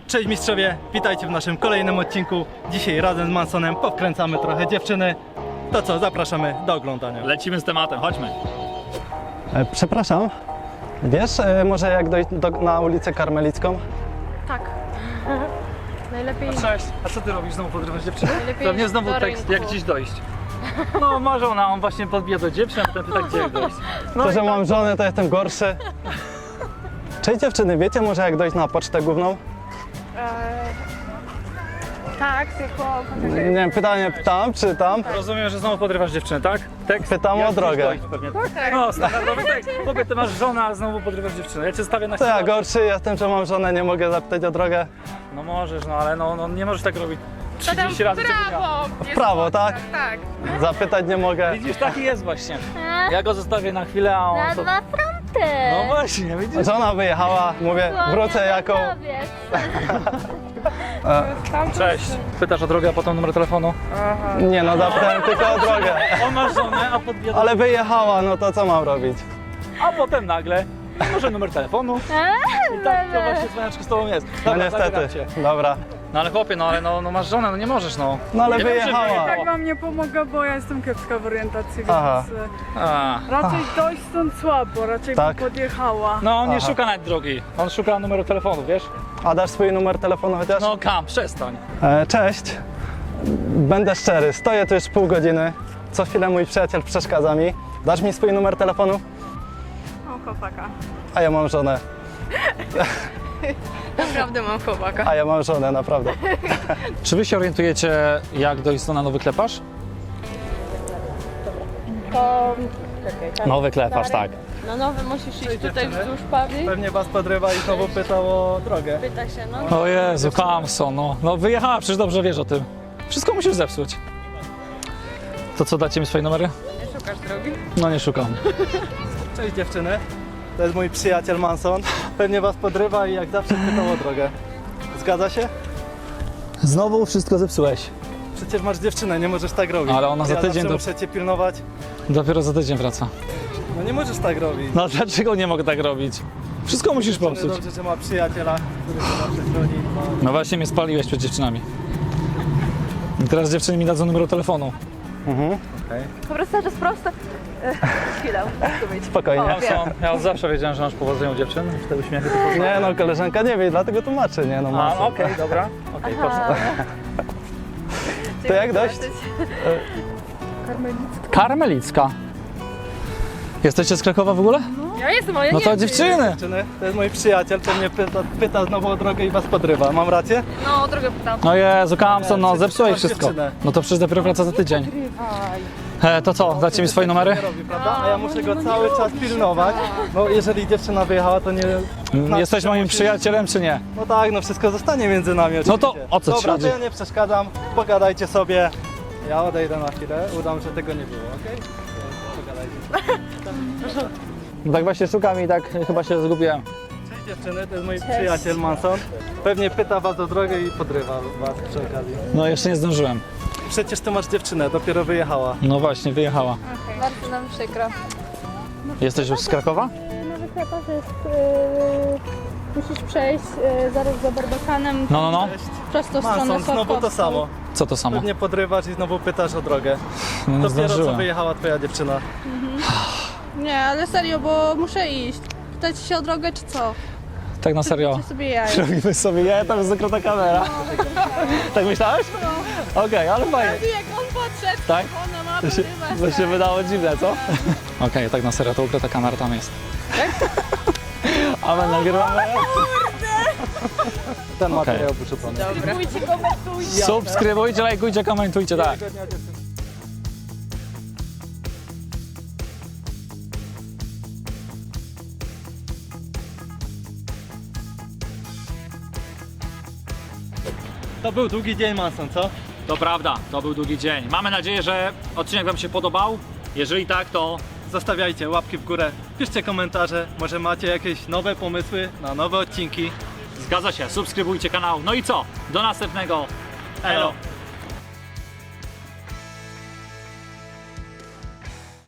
Cześć mistrzowie, witajcie w naszym kolejnym odcinku. Dzisiaj razem z Mansonem powkręcamy trochę dziewczyny. To co, zapraszamy do oglądania. Lecimy z tematem, chodźmy. Przepraszam, wiesz może jak dojść na ulicę Karmelicką? Tak. Najlepiej. Cześć, a co ty robisz? Znowu podrywasz dziewczynę? Najlepiej Pewnie znowu do tekst, rynku. jak dziś dojść. No może on właśnie podbija do dziewczyn, a potem pyta, gdzie jak dojść. No To, i że tak. mam żonę, to jestem gorszy. Cześć dziewczyny, wiecie może jak dojść na pocztę główną? Tak, tylko Nie wiem, pytanie pytam, czy tam? Rozumiem, że znowu podrywasz dziewczynę, tak? Tekst, Pytam jak o dziś drogę. dojść pewnie, tak? No, standardowy tekst. Chłopie, ty masz żonę, a znowu podrywasz dziewczynę. Ja cię stawię na To ja chwilę. gorszy jestem, że mam żonę, nie mogę zapytać o drogę. No możesz, no ale no nie możesz tak robić 30 razy w ciągu dnia. prawo. W prawo, tak? Tak. Zapytać nie mogę. Widzisz, taki jest właśnie. Ja go zostawię na chwilę, a on Na to... dwa fronty. No właśnie, widzisz? Żona wyjechała, mówię, wrócę jako... Cześć. Pytasz o drogę, a potem numer telefonu? Nie no, zapytałem tylko o drogę. On ma żonę, a podbija do... Ale wyjechała, no to co mam robić? A potem nagle, może numer telefonu. I tak to właśnie dzwoniaczko z tobą jest. No Dobra, niestety, zabieram cię. dobra. No ale chłopie, no ale no masz żonę, no nie możesz no. No ale Nie wiem, czy wyjechała. Tak wam nie pomogę, bo ja jestem kiepska w orientacji, Aha. więc A. raczej dojść stąd słabo, raczej Tak. bym podjechała. No on nie Aha. szuka nawet drogi, on szuka numeru telefonu, wiesz? A dasz swój numer telefonu chociaż? No Kam, przestań. Cześć. Będę szczery, stoję tu już pół godziny. Co chwilę mój przyjaciel przeszkadza mi. Dasz mi swój numer telefonu? Mam chłopaka. A ja mam żonę. Naprawdę mam chłopaka. A ja mam żonę, naprawdę. Czy wy się orientujecie, jak dojść na nowy kleparz? To... Czekaj, Nowy kleparz, tak. No nowy musisz iść tutaj dziewczyny. wzdłuż Pawli. Pewnie was podrywa i znowu pytał o drogę. Pyta się, no. O Jezu, Kamson, no wyjechała, przecież dobrze wiesz o tym. Wszystko musisz zepsuć. To co, dacie mi swoje numery? Nie szukasz drogi? No nie szukam. Cześć dziewczyny, to jest mój przyjaciel Manson. Pewnie was podrywa i jak zawsze pytał o drogę. Zgadza się? Znowu wszystko zepsułeś. Przecież masz dziewczynę, nie możesz tak robić. Ale ona za ja tydzień zawsze do- muszę cię pilnować. Dopiero za tydzień wraca. No nie możesz tak robić. No dlaczego nie mogę tak robić? Wszystko musisz popsuć. Dobrze, że ma przyjaciela, który się zawsze chroni. No właśnie mnie spaliłeś przed dziewczynami. I teraz dziewczyny mi dadzą numer telefonu. Po prostu to jest prosto. Chwilę, muszę być. Spokojnie. Kamson, ja od zawsze wiedziałem, że masz powodzenie u dziewczyn. Te uśmiechy to Nie no, koleżanka nie wie, dlatego tłumaczę, nie no. A, Manson. okej, dobra. Okej, proszę. To jak dojść? Karmelicka. Jesteście z Krakowa w ogóle? Ja jestem, ale ja No nie to wiem, dziewczyny. Dziewczyny, to jest mój przyjaciel, pewnie pyta znowu o drogę i was podrywa. Mam rację? No, o drogę pytam. No Jezu, Kamson, no przecież zepsułeś masz wszystko. dziewczynę. No to przecież dopiero wraca za tydzień. To co, dacie mi swoje numery? Nie robi, prawda? A ja muszę go cały czas pilnować, bo jeżeli dziewczyna wyjechała, to nie... Jesteś moim przyjacielem czy nie? No tak, no wszystko zostanie między nami oczywiście. No to o co ci Dobra, chodzi? to ja nie przeszkadzam, pogadajcie sobie. Ja odejdę na chwilę, udam, że tego nie było, okej? Pogadajcie. Tak właśnie szukam i tak chyba się zgubiłem. Cześć dziewczyny, to jest mój przyjaciel Manson. Pewnie pyta was o drogę i podrywa was przy okazji. No jeszcze nie zdążyłem. Przecież ty masz dziewczynę, dopiero wyjechała. No właśnie, wyjechała. Bardzo nam przykro. Jesteś już z Krakowa? Nowy kleparz jest... musisz przejść zaraz za Barbakanem No. prosto w stronę Manson, znowu to Sławkowską. samo. Co to samo? Pewnie podrywasz i znowu pytasz o drogę. No nie Dopiero co zdążyłem. wyjechała twoja dziewczyna. Nie, ale serio, bo muszę iść. Pytać się o drogę, czy co? Tak na serio. Czy sobie jaja? Robimy sobie ja, tam jest zakryta kamera. Tak myślałeś? Okej, ale fajnie. Jak on podszedł, Tak? ona ma To się wydało dziwne, co? Okej, tak na serio, to ukryta kamera tam jest. A my nagrywamy. Ten Okej. materiał wyrzucony. Subskrybujcie, lajkujcie, komentujcie, tak. To był długi dzień Manson, co? To prawda, to był długi dzień. Mamy nadzieję, że odcinek wam się podobał. Jeżeli tak, to Zostawiajcie łapki w górę, piszcie komentarze, może macie jakieś nowe pomysły na nowe odcinki. zgadza się, subskrybujcie kanał. No i co? Do następnego. Elo!